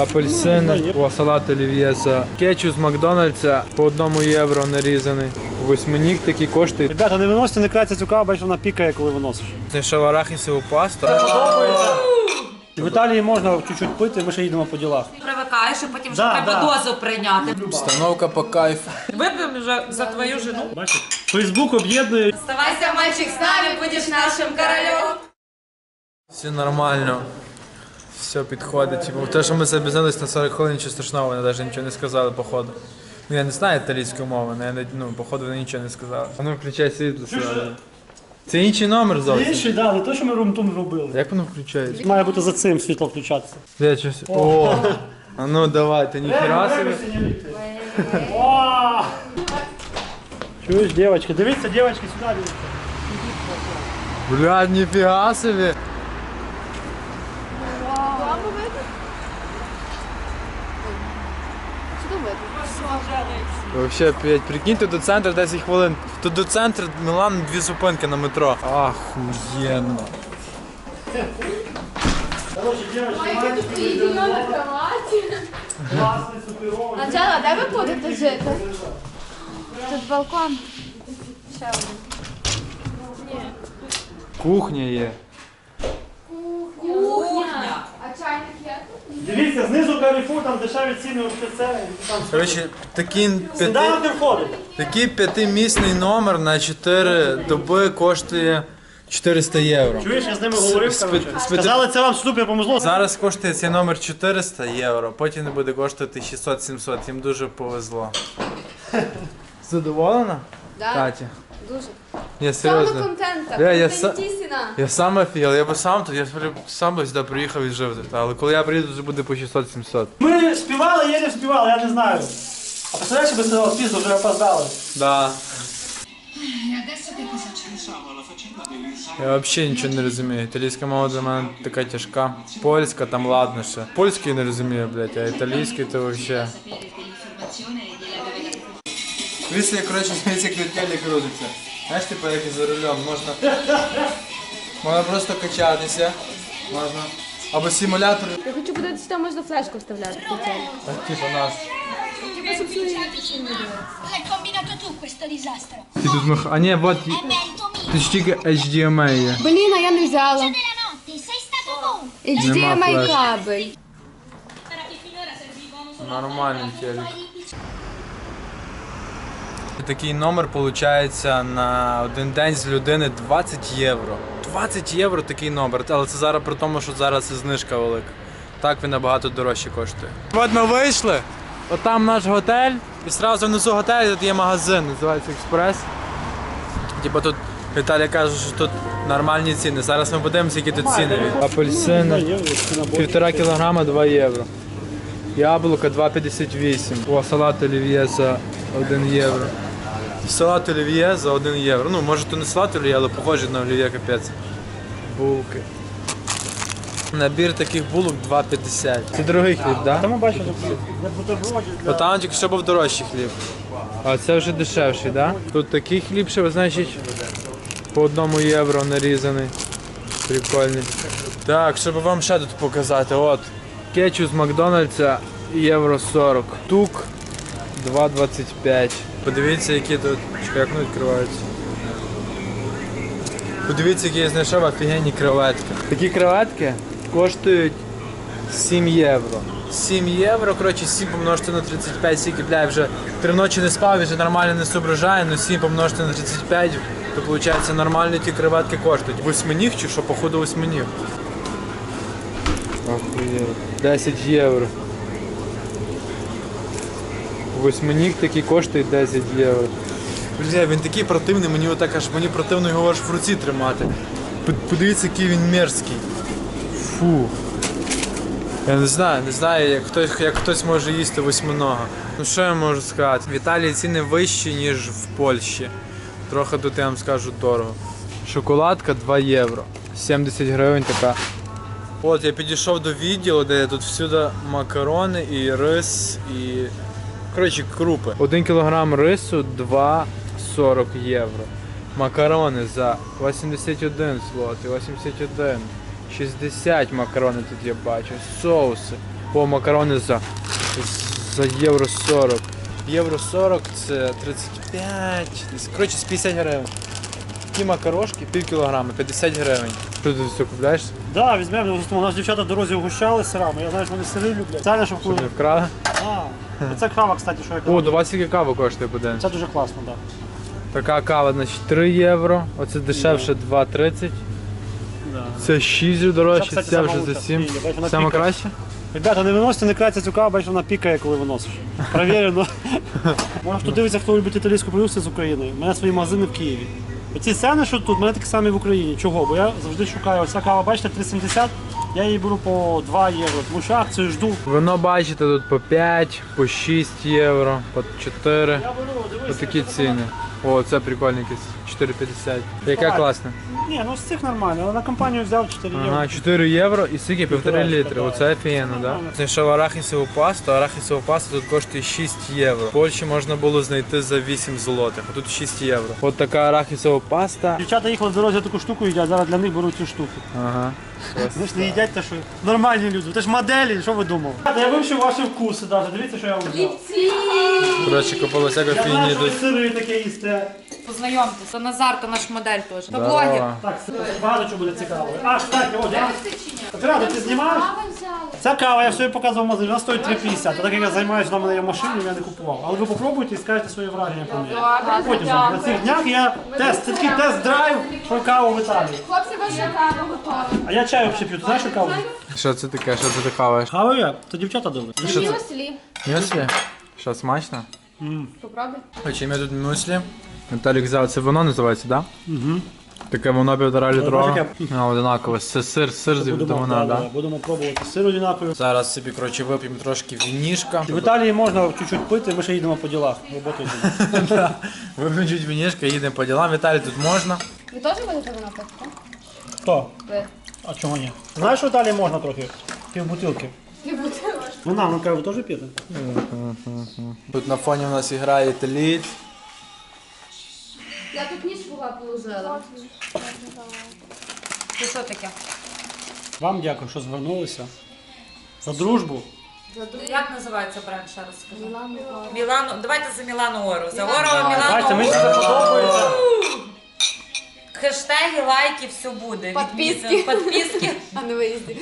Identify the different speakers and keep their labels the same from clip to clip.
Speaker 1: Апельсини, о, салат олів'є за кетчуп з Макдональдса по 1 євро нарізаний. Восьминік такий коштує.
Speaker 2: Ребята, не виносите, не краться цю каву, бачиш, вона пікає, коли виносиш.
Speaker 1: Знайшов арахісову пасту.
Speaker 2: В Італії можна чуть-чуть пити, ми ще їдемо по ділах.
Speaker 3: Привикаєш, і потім вже треба дозу прийняти.
Speaker 1: Обстановка по кайфу.
Speaker 3: Вип'ємо вже за твою жену.
Speaker 2: Бачиш, Фейсбук об'єднує.
Speaker 3: Оставайся, мальчик, з нами, будеш нашим королем.
Speaker 1: Все нормально. Все підходить. Типу, те, що ми запізнились на 40 хвилин, нічого страшного, вони навіть нічого не сказали, походу. Ну, я не знаю італійську мову, але походу вони нічого не сказали. А ну, включай світло сюди. Це інший номер зовсім.
Speaker 2: Інший, так, не то, що ми румтум робили.
Speaker 1: Як воно включається?
Speaker 2: Має бути за цим світло включатися.
Speaker 1: Де щось? О! А ну давай, ти ніхіра собі.
Speaker 2: О! Чуєш, дівчатки? Дивіться, дівчатки, сюди дивіться.
Speaker 1: Блядь, ніфіга собі. Вообще, прикиньте, до центру 10 хвилин. Тут до центру Мілан 2 зупинки на метро. Ахуєнно.
Speaker 2: Короче, дівчатки,
Speaker 4: Тут на кроваті.
Speaker 2: класний, суперовий.
Speaker 4: Анжела, де ви будете жити? Тут балкон. Ще один.
Speaker 1: Кухня є.
Speaker 4: Кухня. А чайник є?
Speaker 2: Дивіться, знизу Carrefour, там дешеві ціни, це.
Speaker 1: Коротше,
Speaker 2: Сніданок не входить.
Speaker 1: такий 5-місний номер на 4 доби коштує 400 євро.
Speaker 2: Чуєш, я з ними говорив, коротше. Сказали, це вам супер помогло.
Speaker 1: Зараз коштує цей номер 400 євро, потім не буде коштувати 600-700, їм дуже повезло. Задоволена?
Speaker 4: Да.
Speaker 1: Катя?
Speaker 4: Дуже.
Speaker 1: Я
Speaker 4: Саме
Speaker 1: серйозно.
Speaker 4: контента.
Speaker 1: Я
Speaker 4: Контентісіна.
Speaker 1: Я сам офігел, я би сам тут, сам би сюди приїхав і жив тут, але коли я приїду, вже буде по 600-700.
Speaker 2: Ми співали, єлі співали, я не знаю. А представляєш, би це пізно вже опоздали.
Speaker 1: Да. Я взагалі нічого не розумію. Італійська мова для мене така тяжка. Польська там ладно ще. Польський не розумію, блядь, а італійський то взагалі. Дивіться, коротше, дивіться, як вертельник крутиться. Знаєш, типу, як і за рулем, можна просто качатися, можна. Або симулятор.
Speaker 4: Я хочу подивитися, там можна флешку вставляти.
Speaker 1: Так, типу нас.
Speaker 5: L'hai combinato tu questo disastro.
Speaker 1: Ти тут а ні, вот,
Speaker 5: È merito mio.
Speaker 1: тут ж тільки HDMI є.
Speaker 4: Блін, а я не взяла.
Speaker 5: Della notte, sei stato tu.
Speaker 4: HDMI
Speaker 1: флеш.
Speaker 4: кабель.
Speaker 1: Нормальний телек. Такий номер виходить на один день з людини 20 євро. 20 євро такий номер, але це зараз при тому, що зараз і знижка велика. Так він набагато дорожче коштує. От ми вийшли, от там наш готель, і одразу внизу готелю тут є магазин, називається Експрес. Типа тут Віталій каже, що тут нормальні ціни. Зараз ми подивимося, які тут ціни. Апельсини 1,5 кілограма 2 євро. Яблука 2,58. О, салат олів'є за 1 євро. Салат олів'є за 1 євро. Ну, може то не салат олів'є, але похоже на олів'є капець. Булки. Набір таких булок 2,50. Це дорогий хліб, так? Да?
Speaker 2: Там ми бачимо, для бутербродів,
Speaker 1: Бо там тільки що був дорожчий хліб. А це вже дешевший, так? Да? Тут такий хліб ще, значить, по 1 євро нарізаний. Прикольний. Так, щоб вам ще тут показати, от. Кетчуп з Макдональдса євро 40. Тук 2,25. Подивіться, які тут. Чекай, як вони відкриваються. Подивіться, які я знайшов офігенні креветки. Такі креветки коштують 7 євро. 7 євро, коротше, 7 помножити на 35, скільки, бля, вже 3 ночі не спав, вже нормально не соображає, але 7 помножити на 35, то виходить нормально ті креветки коштують. Восьминіг чи що, походу восьминіг. Охуєть. 10 євро. Восьминіг такий коштує 10 євро. Бля, він такий противний, мені отак аж мені противно його аж в руці тримати. Подивіться, який він мерзкий. Фу. Я не знаю, як хтось може їсти восьминога. Ну що я можу сказати? В Італії ціни вищі, ніж в Польщі. Трохи тут, я вам скажу, дорого. Шоколадка 2 євро. 70 гривень така. От я підійшов до відділу, де тут всюди макарони і рис, і коротше крупи. 1 кілограм рису 2,40 євро. Макарони за 81 злотий, 81. 60 макарони тут я бачу. Соуси По макарони за євро 40. Євро 40 це 35, десь, коротше, з 50 гривень. Ті макарошки, пів кілограма, 50 гривень. Що ти все купляєш?
Speaker 2: Да, візьмемо, у нас дівчата в дорозі угощали сирами, я знаю, що вони сири люблять. Це щоб
Speaker 1: Щоб не вкрали?
Speaker 2: Це кава, кстати, що я
Speaker 1: О,
Speaker 2: казав.
Speaker 1: до вас скільки кава коштує буде?
Speaker 2: Це дуже класно, так.
Speaker 1: Така кава, значить, 3 євро, оце дешевше 2,30.
Speaker 2: Да.
Speaker 1: Це 6 дорожче,
Speaker 2: Це, кстати,
Speaker 1: це вже
Speaker 2: сама
Speaker 1: за
Speaker 2: лучша
Speaker 1: 7.
Speaker 2: в Києві, бачиш, вона
Speaker 1: Саме
Speaker 2: пікає.
Speaker 1: краще?
Speaker 2: Ребята, не виносите, не краться цю каву, бачиш, вона пікає, коли виносиш. Провірено. Може, хто дивиться, хто любить італійську продукцію з України. У мене свої магазини в Києві. Оці ціни, що тут, у мене такі самі в Україні. Чого? Бо я завжди шукаю. Оця кава, бачите, 3,70, я її беру по 2 євро, тому що акцію жду.
Speaker 1: Вино бачите тут по 5, по 6 євро, по 4.
Speaker 2: Я беру, дивись.
Speaker 1: Ось такі ціни. О, це прикольний якийсь, 4,50. Яке
Speaker 2: Так.
Speaker 1: класне.
Speaker 2: Ні, ну з цих нормально, але на компанію взяв 4 євро.
Speaker 1: Ага, 4 євро і скільки? 1,5 літри.
Speaker 2: так.
Speaker 1: Оце офігенно, да? Знайшов арахісову пасту. Арахісова паста тут коштує 6 євро. В Польщі можна було знайти за 8 злотих, а тут 6 євро. От така арахісова паста.
Speaker 2: Дівчата їхали в дорозі, таку штуку їдять, зараз для них беруть цю штуку.
Speaker 1: Ага.
Speaker 2: Ви ж не їдять те, що нормальні люди. Це ж моделі, що ви думали? Я вивчив ваші вкуси навіть, дивіться, що я вам взяв.
Speaker 1: Коротше, купили всяку
Speaker 2: Я
Speaker 1: фігні
Speaker 2: знаю, що ви
Speaker 1: тут.
Speaker 2: сири таке їсте.
Speaker 3: Познайомтеся, Назар, то наш модель теж. То
Speaker 1: Здорово.
Speaker 3: блогер.
Speaker 2: Так, багато чого буде цікаво. А, кстати, от я... Рада, ти знімаєш? Ця кава, я все показував в магазині, вона стоїть 3,50. А так як я займаюся, вона в мене є в машині, я не купував. Але ви попробуйте і скажете свої враження про неї. Потім на цих днях я тест, це такий тест-драйв про каву в Італії.
Speaker 4: Хлопці, ваша кава готова.
Speaker 2: А я чаю взагалі п'ю, ти знаєш, що каву?
Speaker 1: Що це таке? Що це ти хаваєш?
Speaker 2: Каву я? То дівчата добре.
Speaker 1: Що це?
Speaker 4: Мюслі.
Speaker 1: Мюслі? Що, смачно?
Speaker 4: Попробуй.
Speaker 1: Хоче, я тут мюслі. Віталік взяв, це воно називається, так? Да? Угу. Таке воно 1,5 літрове.
Speaker 2: таке.
Speaker 1: А, одинакове. Це сир з вона, так?
Speaker 2: Будемо пробувати сир однаковий.
Speaker 1: Зараз собі, коротше, вип'ємо трошки вінішка.
Speaker 2: В Італії можна чуть-чуть пити, ми ще їдемо по ділах. Роботу йдемо.
Speaker 1: Вип'ємо чуть вінішка, їдемо по ділам. Віталій тут можна.
Speaker 4: Ви теж будете вино пити?
Speaker 2: Хто?
Speaker 4: Ви.
Speaker 2: А чого ні? Знаєш, що в Італії можна трохи? Півбутилки. Вона, ну кажу, ви теж п'єте?
Speaker 1: Тут на фоні у нас грає італієць.
Speaker 4: Я тут ніж була положила.
Speaker 3: Це що таке?
Speaker 2: Вам дякую, що звернулися. За дружбу.
Speaker 3: Як називається бренд, ще раз скажи? Мілано. Давайте за Мілано Ору. За Ору,
Speaker 2: Бачите, мені
Speaker 3: Мілано
Speaker 2: це
Speaker 3: Ору.
Speaker 2: подобається.
Speaker 3: Хештеги, лайки, все буде.
Speaker 4: Підписки.
Speaker 3: Підписки.
Speaker 4: А не виїзді.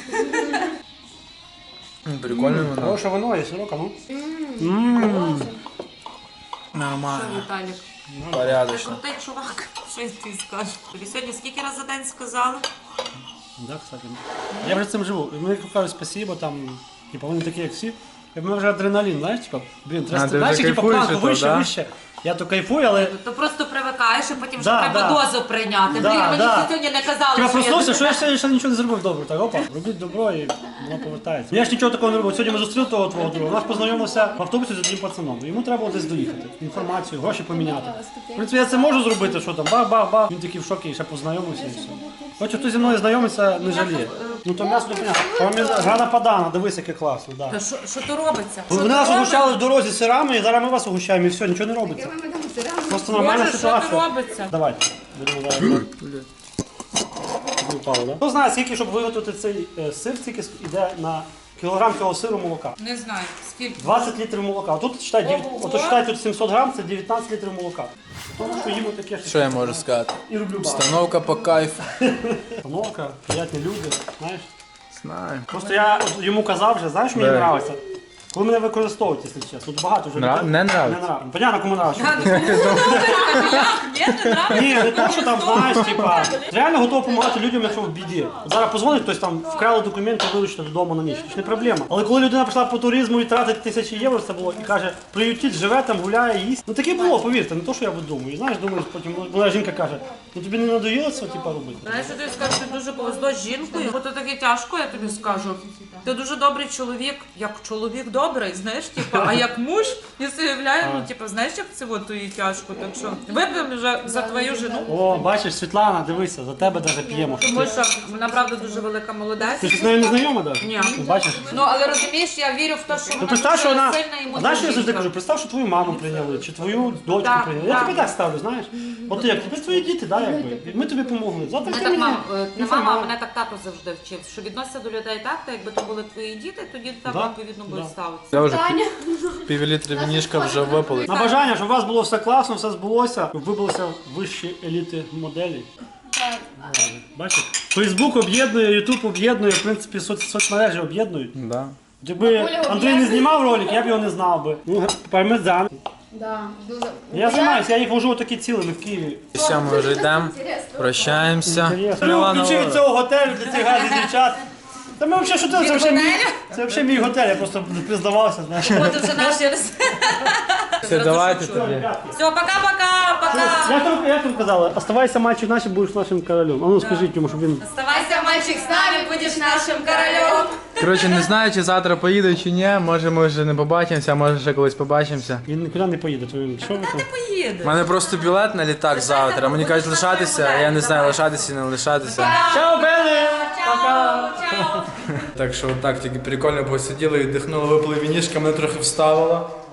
Speaker 1: Прикольне воно.
Speaker 2: Хороше вино є, сирока, ну.
Speaker 1: Нормально.
Speaker 3: Віталік. Ти
Speaker 1: Порядочно.
Speaker 3: крутий чувак. Що ти скажеш? Тобі сьогодні скільки разів за день сказали?
Speaker 2: Так, кстати. Я вже цим живу. І мені кажуть спасибо, там, типу, вони такі, як всі. І в мене вже адреналін, знаєш, типу, блін,
Speaker 1: А,
Speaker 2: треба,
Speaker 1: ти
Speaker 2: знаєш,
Speaker 1: вже
Speaker 2: типу,
Speaker 1: кайфуєш
Speaker 2: планку
Speaker 1: від того,
Speaker 2: вище,
Speaker 1: да?
Speaker 2: вище. Я то кайфую, але...
Speaker 3: То просто привикаєш, і потім вже
Speaker 2: Да,
Speaker 3: треба
Speaker 2: да.
Speaker 3: дозу прийняти.
Speaker 2: Да,
Speaker 3: Блін, мені
Speaker 2: да.
Speaker 3: ще сьогодні не казали,
Speaker 2: Я
Speaker 3: що
Speaker 2: проснувся,
Speaker 3: я...
Speaker 2: що я ще нічого не зробив добре. Так, опа, робіть добро і воно повертається. Я ж нічого такого не робив. Сьогодні ми зустріли того твого друга. У нас познайомився в автобусі з одним пацаном. Йому треба було десь доїхати, інформацію, гроші поміняти. В принципі, я це можу зробити, що там, бах-бах-бах. Він такий в шокі, і ще познайомився і все. Хоче хто зі мною знайомиться, не жаліє. Ну то м'ясо не понятно. Грана падана, дивись, яке класно. Да.
Speaker 3: Та що то робиться?
Speaker 2: Вони нас угощали в дорозі сирами, і зараз ми вас угощаємо, і все, нічого не робиться. Просто нормальна
Speaker 3: Боже, що то
Speaker 2: ситуація.
Speaker 3: робиться?
Speaker 2: Давайте. Будемо зараз. Не впало, да? Хто знає, скільки, щоб виготовити цей сир, скільки йде на кілограм цього сиру молока?
Speaker 3: Не знаю, скільки.
Speaker 2: 20 літрів молока. Отут считай, тут 700 грам, це 19 літрів молока. Тому що їмо таке,
Speaker 1: Що я можу сказати?
Speaker 2: і роблю багато.
Speaker 1: Установка по кайфу.
Speaker 2: Установка, приятні люди, знаєш.
Speaker 1: Знаю.
Speaker 2: Просто я от йому казав вже, знаєш, мені
Speaker 1: Да.
Speaker 2: подобається. Коли мене використовують, якщо чесно. Тут багато вже людей.
Speaker 1: Не нравиться?
Speaker 2: Не нравиться. Понятно, кому нравиться.
Speaker 3: Ні, не нравиться?
Speaker 2: Ні, не то, що там, знаєш, типа, реально готов допомагати людям, якщо в біді. От зараз позвонить, хтось там вкрали документи, вилучити додому на ніч. Це ж не проблема. Але коли людина пішла по туризму і тратить тисячі євро, це було, і каже, приютіть, живе там, гуляє, їсть. Ну таке було, повірте, не то, що я видумую. І знаєш, думаю, потім моя жінка каже, ну тобі не надоїло це, типа, робити?
Speaker 3: Знаєш, я тобі скажу, що дуже повезло з жінкою, бо то таке тяжко, я тобі скажу. Ти дуже добрий чоловік, як чоловік добрий. добрий, знаєш, типу, а як муж, я собі уявляю, ну, типу, знаєш, як це от її тяжко, так що вип'ємо вже за твою жену.
Speaker 2: О, бачиш, Світлана, дивися, за тебе навіть п'ємо.
Speaker 3: Тому що вона, правда, дуже велика молодець.
Speaker 2: Ти ж з нею не знайома, так?
Speaker 3: Ні.
Speaker 2: Бачиш?
Speaker 3: Ну, але розумієш, я вірю в те, що
Speaker 2: Ну
Speaker 3: вона
Speaker 2: представ, що
Speaker 3: дуже
Speaker 2: вона,
Speaker 3: сильна і
Speaker 2: знаєш, що я завжди
Speaker 3: мудра
Speaker 2: кажу, представ, що твою маму прийняли, чи твою дочку
Speaker 3: Так,
Speaker 2: прийняли. Я
Speaker 3: так.
Speaker 2: тобі так ставлю, знаєш. От як, тепер твої діти, да, якби. Ми тобі помогли. Завтра
Speaker 3: Мене
Speaker 2: ти
Speaker 3: так
Speaker 2: мені
Speaker 3: не мама, а мене так тато завжди вчив, що відноситься до людей так, та якби то були твої діти, тоді до тебе
Speaker 2: Да,
Speaker 3: відповідно будуть
Speaker 2: да.
Speaker 3: ставитися.
Speaker 1: Я вже півлітри вінішка вже випили.
Speaker 2: На бажання, щоб у вас було все класно, все збулося, щоб ви билися вищі еліти моделі. Бачите? Фейсбук об'єднує, Ютуб об'єднує, в принципі, соцмережі об'єднують.
Speaker 1: Да.
Speaker 2: Якби Андрій не знімав ролик, я б його не знав би. Ну, пармезан.
Speaker 4: Да, дуже.
Speaker 2: Я займаюся, я їх вожу такі цілими в Києві.
Speaker 1: Все, ми вже йдемо, прощаємося.
Speaker 2: Ну, ключі від цього готелю для цих гарних дівчат. Та ми взагалі, що це взагалі мій, це взагалі мій готель, я просто признавався, знаєш.
Speaker 3: От вже наші
Speaker 1: Все, давайте тоді.
Speaker 3: Все, пока-пока, пока.
Speaker 2: Як ви казали, оставайся мальчик наш, будеш нашим королем. А ну скажіть йому, щоб він...
Speaker 3: Оставайся, мальчик, з нами, будеш нашим королем.
Speaker 1: Коротше, не знаю, чи завтра поїду, чи ні. Може, ми вже не побачимося, а може ще колись побачимося.
Speaker 2: Він нікуди не поїде, то він що ви там?
Speaker 1: У
Speaker 3: Поїде.
Speaker 1: мене просто білет на літак завтра. Мені кажуть лишатися, а я не знаю, лишатися чи не лишатися.
Speaker 2: Чао, Бене!
Speaker 3: Чао, чао.
Speaker 1: Так що отак тільки прикольно посиділи, віддихнули, випили вінішка, мене трохи вставило.